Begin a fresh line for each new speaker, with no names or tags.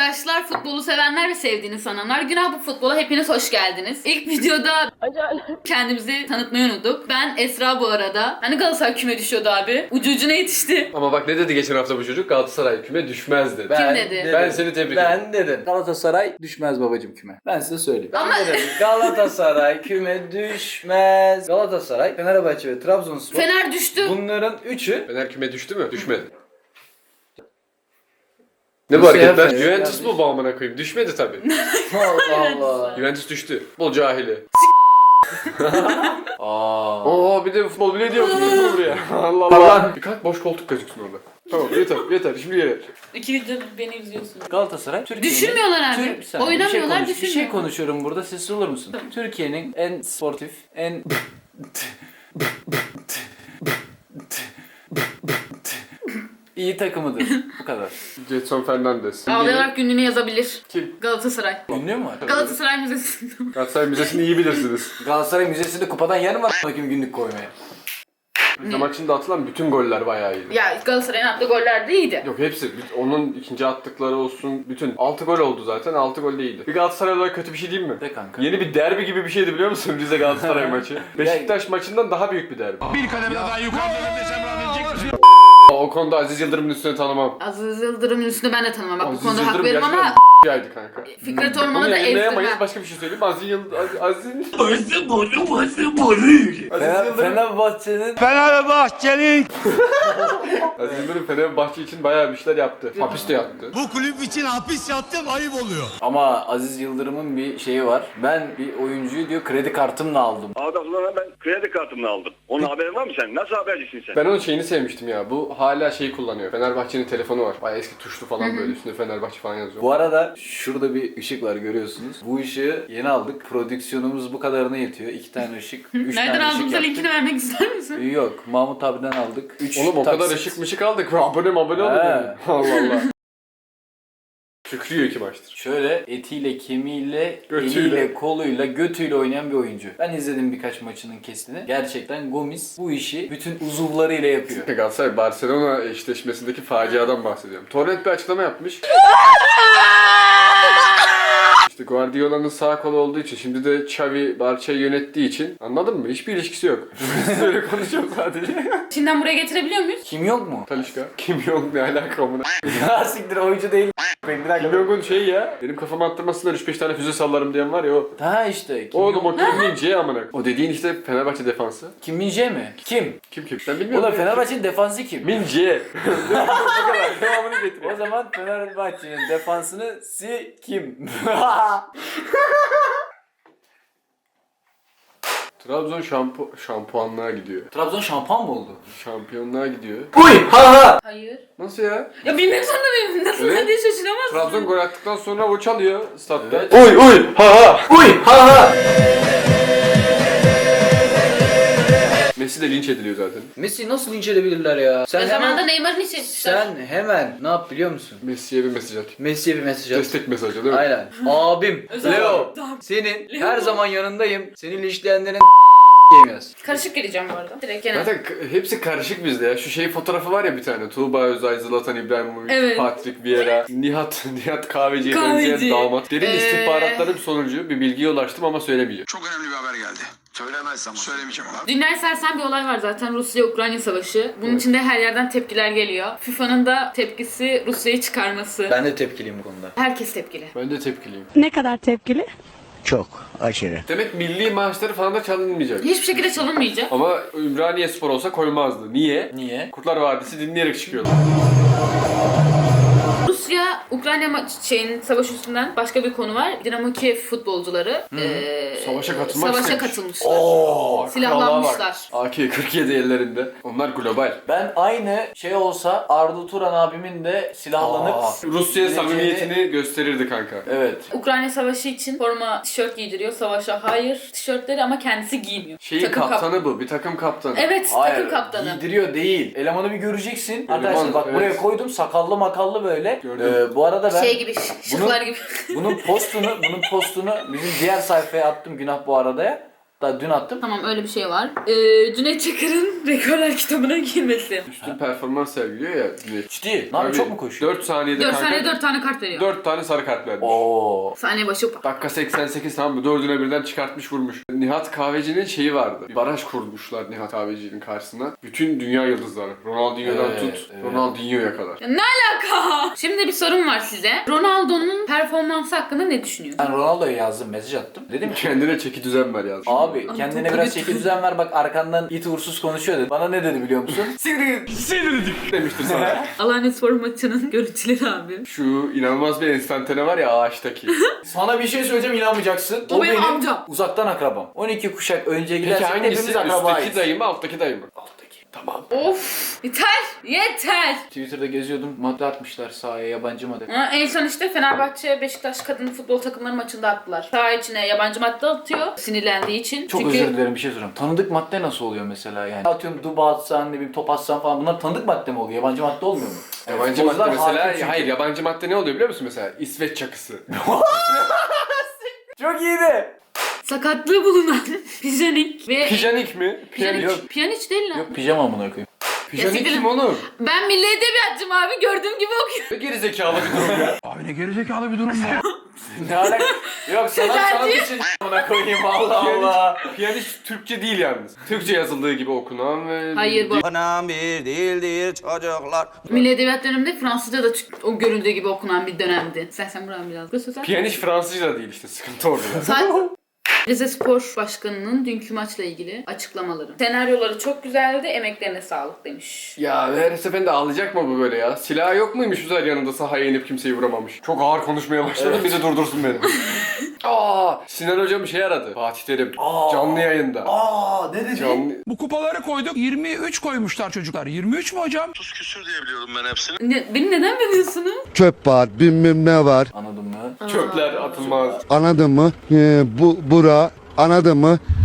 arkadaşlar, futbolu sevenler ve sevdiğini sananlar, Günah Bu Futbol'a hepiniz hoş geldiniz. İlk videoda kendimizi tanıtmayı unuttuk. Ben Esra bu arada. Hani Galatasaray küme düşüyordu abi. Ucu ucuna yetişti.
Ama bak ne dedi geçen hafta bu çocuk? Galatasaray küme düşmez dedi.
Kim dedi?
Ben seni tebrik ederim.
Ben dedim. Galatasaray düşmez babacım küme. Ben size söyleyeyim.
Ama-
Ben dedim. Galatasaray küme düşmez. Galatasaray, Fenerbahçe ve Trabzonspor.
Fener düştü.
Bunların üçü.
Fener küme düştü mü? Düşmedi. Ne bu
Nasıl
hareketler?
ya?
Juventus mu bu amına koyayım? Düşmedi tabii.
Allah Allah.
Juventus düştü. Futbol cahili.
Aa.
Oo bir de futbol bile diyor futbol buraya. Allah Allah.
Tamam.
Bir kalk boş koltuk gözüksün orada. Tamam yeter şimdi yeter.
İki video beni izliyorsun.
Galatasaray Türkiye'nin...
Düşünmüyorlar abi.
Bir saniye,
Oynamıyorlar,
bir şey
düşünmüyor.
konuşuyorum burada. Sessiz olur musun? Türkiye'nin en sportif, en... iyi takımıdır. Bu kadar.
Jetson Fernandes.
Ağlayarak günlüğünü yazabilir.
Kim?
Galatasaray.
Ünlü mü var?
Galatasaray Müzesi'nde.
Galatasaray Müzesi'ni iyi bilirsiniz.
Galatasaray Müzesi'nde kupadan yer mi var bakayım günlük koymaya?
Maçında atılan bütün goller bayağı iyiydi.
Ya Galatasaray'ın attığı goller de iyiydi.
Yok hepsi. Onun ikinci attıkları olsun. Bütün 6 gol oldu zaten. 6 gol de iyiydi. Bir Galatasaray olarak kötü bir şey değil mi?
De kanka.
Yeni bir derbi gibi bir şeydi biliyor musun Rize Galatasaray maçı? Beşiktaş maçından daha büyük bir derbi.
Bir kademe daha yukarıda desem rahatlayacak mısın?
O konuda Aziz Yıldırım'ın üstüne tanımam.
Aziz Yıldırım'ın üstüne ben de tanımam. Bak bu
Aziz
konuda hak
Yıldırım
veririm ama
gerçekten yaydı kanka.
Fikret
Onu
Orman'ı da
yayınlayamayız.
ezdim.
Başka bir şey söyleyeyim. Aziz Yıldırım... Aziz
Fenerbahçe'nin...
Fenerbahçe'nin
Aziz Yıldırım Fenerbahçe için bayağı bir şeyler yaptı. Hapiste yattı.
bu kulüp için hapis yattım ayıp oluyor.
Ama Aziz Yıldırım'ın bir şeyi var. Ben bir oyuncuyu diyor kredi kartımla aldım.
Adamlara ben kredi kartımla aldım. Onun haberin var mı sen? Nasıl habercisin sen?
Ben onun şeyini sevmiştim ya. Bu hala şeyi kullanıyor. Fenerbahçe'nin telefonu var. Bayağı eski tuşlu falan böyle üstünde Fenerbahçe falan yazıyor.
Bu arada şurada bir ışık var görüyorsunuz. Bu ışığı yeni aldık. Prodüksiyonumuz bu kadarına yetiyor. 2 tane ışık, 3
Nereden
tane ışık
aldığımıza
yaptık.
linkini vermek ister misin?
Yok, Mahmut abiden aldık. 3
Oğlum o kadar ışık mışık aldık. Abone olun.
He.
Allah Allah. Şükrüyor 2 maçtır.
Şöyle etiyle, kemiğiyle,
Götüyle.
eliyle, koluyla, götüyle oynayan bir oyuncu. Ben izledim birkaç maçının kesitini. Gerçekten Gomis bu işi bütün uzuvlarıyla yapıyor.
Galatasaray Barcelona eşleşmesindeki faciadan bahsediyorum. Torrent bir açıklama yapmış. İşte Guardiola'nın sağ kolu olduğu için, şimdi de Xavi Barça'yı yönettiği için, anladın mı? Hiçbir ilişkisi yok. Böyle konuşuyorum sadece.
Şimdiden buraya getirebiliyor muyuz?
Kim yok mu?
Talişka. Kim yok ne alaka amına?
Ya siktir oyuncu değil. Bir dakika.
Kim yok'un şey ya. Benim kafama attırmasınlar 3-5 tane füze sallarım diyen var ya o.
Ha işte. Kim
Oğlum
yok?
o Kim Min-jae amına. O dediğin işte Fenerbahçe defansı.
Kim Min-jae mi? Kim?
Kim? Sen bilmiyor
Ulan
musun?
Fenerbahçe'nin defansı kim?
Min-jae. Bu kadar. Devamını getir.
O zaman Fenerbahçe'nin defansını kim?
Trabzon şampuanlığa gidiyor.
Trabzon şampuan mı oldu?
Şampiyonluğa gidiyor.
Uy ha ha.
Hayır.
Nasıl ya?
Ya bilmek zorunda mıyım? Nasıl
Evet.
diye şaşıramazsın.
Trabzon gol attıktan sonra o çalıyor statta.
Evet.
Uy ha ha.
Uy ha ha.
Messi de linç ediliyor zaten.
Messi nasıl linç edebilirler ya? Sen
O zaman da
hemen,
Neymar'ın işi etmişler.
sen hemen ne yap biliyor musun?
Messi'ye bir mesaj at.
Messi'ye bir mesaj at.
Destek mesajı değil mi?
Aynen. Abim
Özel
Leo
olarak.
senin
Leo.
her zaman yanındayım. Seni linçleyenlerin yaz.
Karışık geleceğim bu arada. Direkt gene.
Zaten hepsi karışık bizde ya. Şu şey fotoğrafı var ya bir tane. Tuğba Özay, Zlatan İbrahimovic,
Evet.
Patrick Vieira, Nihat Kahveci'ye
Kahveci.
benzeyen damat. Derin
Ee.
istihbaratlarım sonucu bir bilgiye ulaştım ama söylemeyeceğim.
Çok önemli bir haber geldi. Söylemezsem söylemeyeceğim ama.
Dünyayı sarsan bir olay var zaten, Rusya-Ukrayna savaşı. Bunun için de her yerden tepkiler geliyor. FIFA'nın da tepkisi Rusya'yı çıkarması.
Ben de tepkiliyim bu konuda.
Herkes tepkili.
Ben de tepkiliyim.
Ne kadar tepkili?
Çok aşırı.
Demek milli maaşları falan da çalınmayacak.
Hiçbir şekilde çalınmayacak.
Ama Ümraniye Spor olsa koymazdı. Niye?
Niye?
Kurtlar Vadisi dinleyerek çıkıyordu.
Rusya Ukrayna savaş üstünden başka bir konu var. Dinamo Kiev futbolcuları
Savaşa katılmak
savaşa
istemiş.
katılmışlar.
Oo,
Silahlanmışlar.
AK-47 ellerinde. Onlar global.
Ben aynı şey olsa Arda Turan abimin de silahlanıp
Rusya
gideceğini-
samimiyetini gösterirdi kanka.
Evet.
Ukrayna savaşı için forma, tişört giydiriyor. Savaşa hayır tişörtleri ama kendisi giymiyor.
Şeyin
Takım
kaptanı bu. Bir takım kaptanı.
Evet, takım kaptanı.
Giydiriyor değil. Elemanı bir göreceksin. Arkadaşlar bak
evet.
buraya koydum sakallı makallı böyle.
Gördüm.
Bu arada ben
Şey gibi, şıklar gibi.
bunun postunu bizim diğer sayfaya attım günah bu arada ya. Daha dün attım.
Tamam öyle bir şey var. Cüneyt Çakır'ın rekorlar kitabına girmesi.
Üstün performans sergiliyor ya.
Ciddi. Ne yapıyor? Çok mu koşuyor?
4 saniyede
4
kanka
saniye 4 tane kart veriyor.
4 tane sarı kart vermiş.
Oo.
Saniye başı
Dakika 88 tamam mı? 4'üne birden çıkartmış vurmuş. Nihat Kahveci'nin şeyi vardı. Bir baraj kurmuşlar Nihat Kahveci'nin karşısına. Bütün dünya yıldızları. Ronaldinho'dan
Evet,
tut
evet.
Ronaldinho'ya kadar.
Ne alaka? Şimdi bir sorum var size. Ronaldo'nun performansı hakkında ne düşünüyorsun?
Ben Ronaldo'ya yazdım, mesaj attım. Dedim ki
Kendine çeki düzen ver yazmış.
abi
Ay,
kendine
çok
biraz
kötü.
çeki düzen ver, bak arkandan it uğursuz konuşuyor dedi. Bana ne dedi biliyor musun?
Sinirdik demiştir sana.
Alanya'spor maçının görüntüleri abi.
Şu inanılmaz bir enstantane var ya ağaçtaki.
Sana bir şey söyleyeceğim, inanmayacaksın.
O benim amcam.
Uzaktan akrabam. 12 kuşak önce
Peki
gidersek hepimiz
hangisi?
akrabayız.
Üstteki dayı mı alttaki dayı mı?
Alttaki.
Tamam.
Of! Yeter! Yeter!
Twitter'da geziyordum. Madde atmışlar sahaya, yabancı madde.
Ha, en son işte Fenerbahçe Beşiktaş kadın futbol takımları maçında attılar. Saha içine yabancı madde atıyor sinirlendiği için.
Çok özür dilerim, bir şey soracağım. Tanıdık madde nasıl oluyor mesela yani? Atıyorum duba atsan, ne bileyim top atsan falan, bunlar tanıdık madde mi oluyor? Yabancı madde olmuyor mu?
Yabancı madde
Futbolcular hakim
mesela,
çünkü.
hayır yabancı madde ne oluyor biliyor musun mesela? İsveç çakısı.
Çok iyiydi.
Sakatlığı bulunan Pijanik ve...
Pijanik mi?
Pijanik,
Yok.
Piyaniç değil lan.
Yok pijama amına koyayım.
Pijanik
Ya
kim oğlum?
Ben milli edebiyatçım abi, gördüğüm gibi okuyorum.
Ne gerizekalı bir durum ya.
Abi ne gerizekalı bir durum ya.
Ne alaka? Yok sanat için amına koyayım, Allah Allah.
Piyanist Türkçe değil yalnız. Türkçe yazıldığı gibi okunan ve...
Hayır bu
Anam bir değildir çocuklar.
milli edebiyat döneminde Fransızca da o görüldüğü gibi okunan bir dönemdi. Sen buradan biraz göz sözer.
Piyanist Fransızca da değil işte, sıkıntı orada.
Rize Spor Başkanı'nın dünkü maçla ilgili açıklamaları. Senaryoları çok güzeldi, emeklerine sağlık demiş.
Ya her seferinde ağlayacak mı bu böyle ya? Silahı yok muymuş Üzer yanında sahaya inip kimseyi vuramamış? Çok ağır konuşmaya başladım, bizi durdursun beni. Sinan hocam bir şey aradı. Fatih Terim. Canlı yayında.
Ne dedi?
Canlı...
Bu kupaları koyduk 23 koymuşlar çocuklar. 23 mü hocam?
Küsür diye biliyorum ben hepsini.
Beni neden biliyorsunuz?
Çöp var bilmem ne var.
Anladın mı?
Çöpler atılmaz.
Anladın mı? Bura anladın mı?